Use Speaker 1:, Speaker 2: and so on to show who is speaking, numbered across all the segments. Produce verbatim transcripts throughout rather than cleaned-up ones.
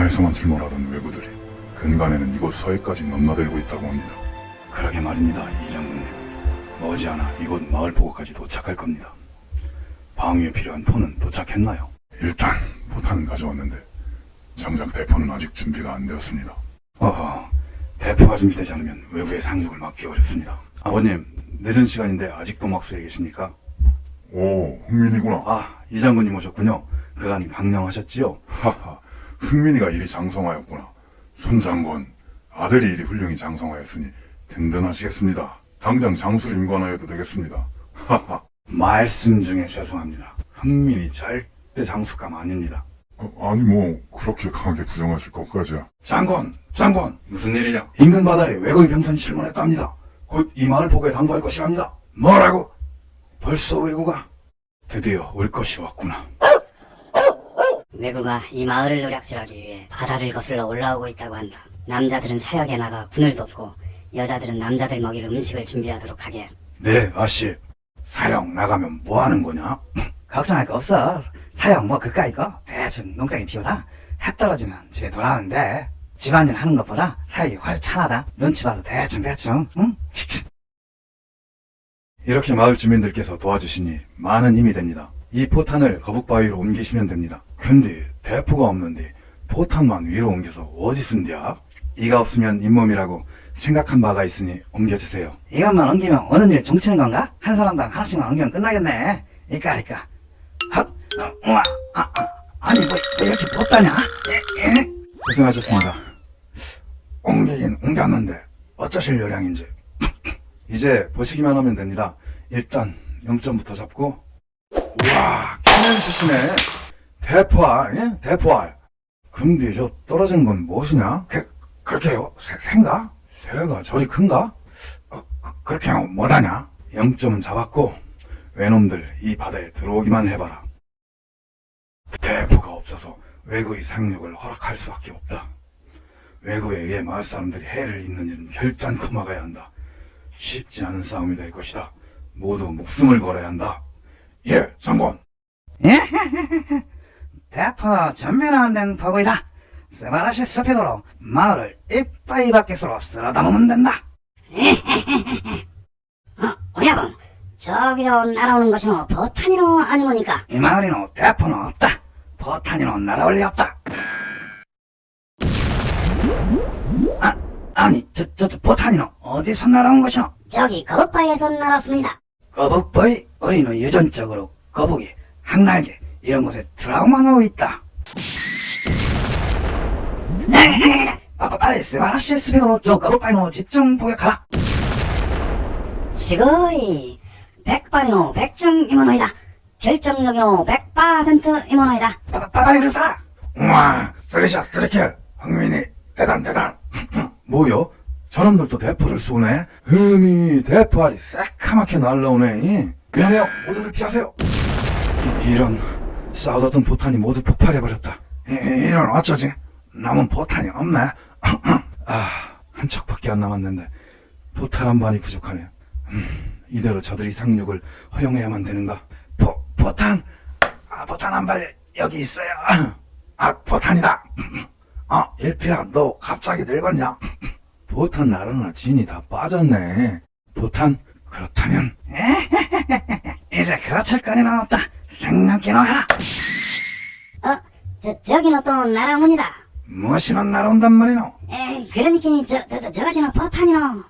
Speaker 1: 남해에서만 출몰하던 왜구들이 근간에는 이곳 서해까지 넘나들고 있다고 합니다.
Speaker 2: 그러게 말입니다, 이 장군님. 머지않아 이곳 마을 보고까지 도착할 겁니다. 방위에 필요한 포는 도착했나요?
Speaker 1: 일단 포탄은 가져왔는데 정작 대포는 아직 준비가 안 되었습니다.
Speaker 2: 어허, 대포가 준비되지 않으면 외부의 상륙을 막기 어렵습니다. 아버님, 늦은 시간인데 아직도 막수에 계십니까?
Speaker 1: 오, 흥민이구나.
Speaker 2: 아, 이 장군님 오셨군요. 그간 강령하셨지요?
Speaker 1: 하하, 흥민이가 이리 장성하였구나. 손장군, 아들이 이리 훌륭히 장성하였으니 든든하시겠습니다. 당장 장수를 임관하여도 되겠습니다. 하하.
Speaker 2: 말씀 중에 죄송합니다. 흥민이 절대 장수감 아닙니다.
Speaker 1: 어, 아니 뭐 그렇게 강하게 부정하실 것까지야.
Speaker 2: 장군, 장군, 무슨 일이냐? 인근 바다에 외국인 병선이 출몰했답니다. 곧 이 마을 보고에 당부할 것이랍니다. 뭐라고? 벌써 외구가 드디어 올 것이 왔구나.
Speaker 3: 외구가 이 마을을 노략질하기 위해 바다를 거슬러 올라오고 있다고 한다. 남자들은 사역에 나가 군을 돕고 여자들은 남자들 먹일 음식을 준비하도록 하게.
Speaker 2: 네, 아씨. 사역 나가면 뭐 하는 거냐?
Speaker 4: 걱정할 거 없어. 사형 뭐 그까이 거 대충 농땡이 피우다 해 떨어지면 집에 돌아오는데 집안일 하는 것보다 사역이 훨씬 편하다. 눈치 봐도 대충 대충 응?
Speaker 2: 이렇게 마을 주민들께서 도와주시니 많은 힘이 됩니다. 이 포탄을 거북바위로 옮기시면 됩니다. 근데 대포가 없는데 포탄만 위로 옮겨서 어디 쓴디야? 이가 없으면 잇몸이라고 생각한 바가 있으니 옮겨주세요.
Speaker 4: 이것만 옮기면 오는 일 종치는 건가? 한 사람당 하나씩만 옮기면 끝나겠네. 이까 이까 헛 어, 우와 아, 아, 아니 뭐, 뭐 이렇게 못다냐? 에, 에?
Speaker 2: 고생하셨습니다. 옮기긴 옮겼는데 어쩌실 요량인지. 이제 보시기만 하면 됩니다. 일단 영 점부터 잡고. 우와, 캐년 쓰시네. 대포알, 예? 대포알. 근데 저 떨어지는 건 무엇이냐? 그, 그렇게요? 새, 새인가? 새가 저리 큰가? 어, 그, 그렇게 하면 뭐하냐? 영 점은 잡았고 외놈들 이 바다에 들어오기만 해봐라. 대포가 없어서 외구의 상륙을 허락할 수밖에 없다. 외구에 의해 마을 사람들이 해를 입는 일은 결단코 막아야 한다. 쉽지 않은 싸움이 될 것이다. 모두 목숨을 걸어야 한다. 예, 장군.
Speaker 4: 대포 전면화된 포구이다. 스바라시 스피드로 마을을 이빠이 밖으로 쓸어 담으면 된다.
Speaker 3: 어, 오야봉. 저기로 날아오는 것이 뭐 버탄이로 아니모니까.
Speaker 4: 이 마을에는 대포는 없다. 포탄이는 날아올 리 없다. 아, 아니 저, 저, 저 포탄이는 어디서 날아온 것이노?
Speaker 3: 저기 거북바위에서 날았습니다.
Speaker 4: 거북바위 우리는 유전적으로 거북이, 항날개 이런 곳에 트라우마가 있다. 아, 빨리 스바라시 스피드로 저 거북바위로 집중 포격하라.
Speaker 3: 스고이. 백발이노 백중 이모노이다. 결정력이노 백 퍼센트 이모노이다.
Speaker 4: 빠, 빨리 그사.
Speaker 2: 우와, 쓰리샷 쓰리킬. 흥민이 대단 대단. 뭐요? 저놈들도 대포를 쏘네? 흠이 대포알이 새카맣게 날라오네. 미안해요. 모두들 피하세요. 이, 이런 싸우던 포탄이 모두 폭발해버렸다. 이, 이런 어쩌지? 남은 포탄이 없네. 아, 한 척밖에 안 남았는데 포탄 한 발이 부족하네. 음, 이대로 저들이 상륙을 허용해야만 되는가? 포, 포탄! 아, 포탄 한 발 여기 있어요. 아, 포탄이다. 아, 일필아, 너 갑자기 늙었냐? 포탄 나르나 진이 다 빠졌네. 포탄? 그렇다면
Speaker 4: 이제 그렇칠 거리는 없다. 생각기나 하라.
Speaker 3: 어, 저, 저기는 또 날아옵니다.
Speaker 2: 무엇이나 날아온단 말이노?
Speaker 3: 에이, 그러니까 저, 저, 저, 저것이는 버탄이노.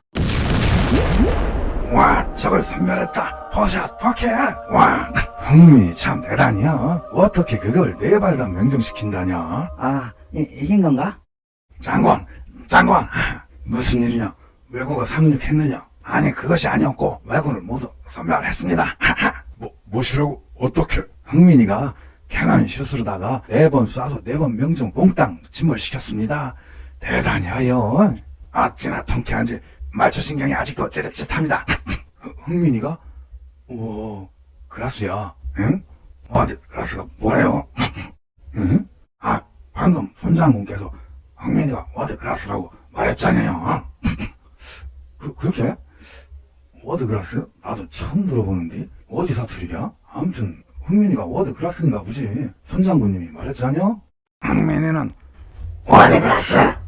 Speaker 2: 와, 저걸 선멸했다. 포샷, 포켓. 와, 흥미 참 대단이야. 어떻게 그걸 네 발 다 명중시킨다냐?
Speaker 4: 아, 이, 이긴 건가?
Speaker 2: 장관, 장관. 무슨 일이냐? 왜구가 상륙했느냐? 아니, 그것이 아니었고 왜구를 모두 선멸했습니다.
Speaker 1: 뭐 뭐시라고? 어떻게?
Speaker 2: 흥민이가 캐논 슛으로다가 네 번 쏴서 네 번 명중 몽땅 침몰시켰습니다. 대단히 하여. 어찌나 통쾌한지 말초신경이 아직도 찌릿찌릿합니다. 흥민이가? 우와, 그라스야. 응? 어디 그라스가 뭐래요? 응? 아, 방금 손장군께서 흥민이가 워드 그라스라고 말했잖아요. 그, 그렇게? 워드 그라스? 나도 처음 들어보는데 어디 사투리야? 아무튼 흥민이가 워드 그라스인가 보지. 손장군님이 말했잖아요. 흥민이는
Speaker 3: 어제 들었어?